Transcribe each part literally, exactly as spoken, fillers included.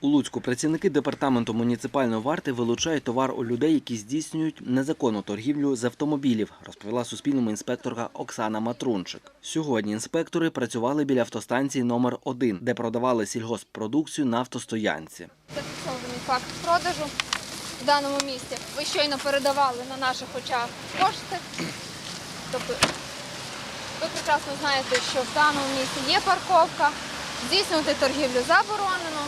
У Луцьку працівники департаменту муніципальної варти вилучають товар у людей, які здійснюють незаконну торгівлю з автомобілів, розповіла Суспільному інспекторка Оксана Матрунчик. Сьогодні інспектори працювали біля автостанції номер один, де продавали сільгосппродукцію на автостоянці. Зафіксований факт продажу в даному місці. Ви щойно передавали на наших очах кошти. Тобто ви прекрасно знаєте, що в даному місці є парковка, здійснювати торгівлю заборонено.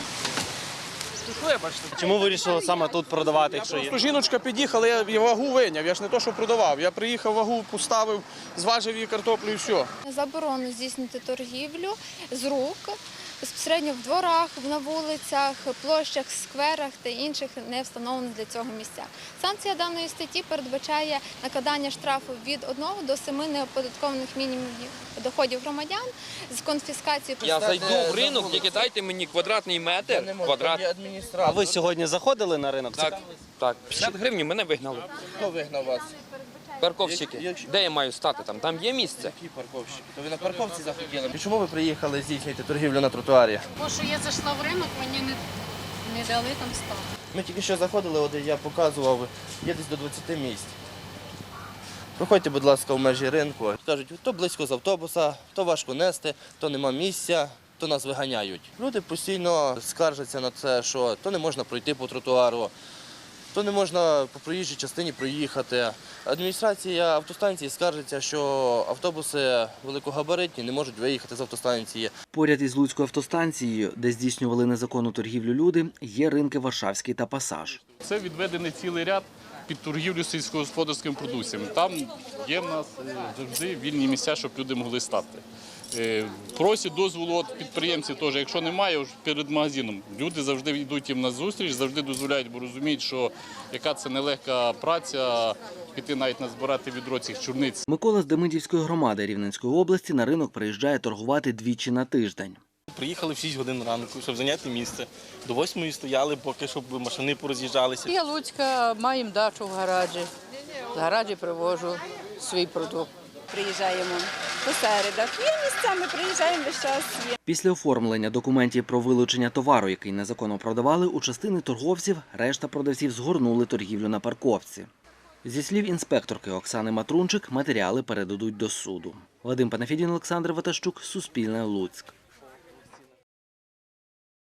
Чому вирішили саме тут продавати, якщо є? Просто жіночка під'їхала, я її вагу виняв, я ж не то, що продавав. Я приїхав, вагу поставив, зважив її картоплю і все. Заборонено здійснювати торгівлю з рук, безпосередньо в дворах, на вулицях, площах, скверах та інших не встановлених для цього місцях. Санкція даної статті передбачає накладання штрафу від одного до семи неоподаткованих мінімумів доходів громадян з конфіскацією. Я зайду в ринок, тільки дайте мені квадратний метр. Квадрат. А ви сьогодні заходили на ринок? Так, так. п'ятдесят гривень мене вигнали. Хто вигнав вас? Парковщики. Де я маю стати? Там Там є місце. Які парковщики? То ви на парковці захотіли? І чому ви приїхали здійснювати торгівлю на тротуарі? Бо що я зайшла в ринок, мені не, не дали там стати. Ми тільки що заходили, от я показував, є десь до двадцяти місць. Проходьте, будь ласка, в межі ринку. Кажуть, то близько з автобуса, то важко нести, то нема місця, то нас виганяють. Люди постійно скаржаться на це, що то не можна пройти по тротуару, то не можна по проїжджій частині проїхати. Адміністрація автостанції скаржиться, що автобуси великогабаритні не можуть виїхати з автостанції. Поряд із Луцькою автостанцією, де здійснювали незаконну торгівлю люди, є ринки Варшавський та Пасаж. Це відведений цілий ряд під торгівлю сільськогосподарськими продукціями. Там є в нас завжди вільні місця, щоб люди могли стати. Просять дозволу від підприємців теж, якщо немає, перед магазином. Люди завжди йдуть їм на зустріч, завжди дозволяють, бо розуміють, що яка це нелегка праця, піти навіть назбирати відро цих чорниць. Микола з Демидівської громади Рівненської області на ринок приїжджає торгувати двічі на тиждень. Приїхали в шість годин ранку, щоб зайняти місце. До восьмої стояли, поки щоб машини пороз'їжджалися. Я Луцька, маємо дачу в гаражі. В гаражі привожу свій продукт. Приїжджаємо по середах. Є місця, ми приїжджаємо весь час. Є. Після оформлення документів про вилучення товару, який незаконно продавали, у частини торговців решта продавців згорнули торгівлю на парковці. Зі слів інспекторки Оксани Матрунчик, матеріали передадуть до суду. Вадим Панафідін, Олександр Ватащук, Суспільне, Луцьк.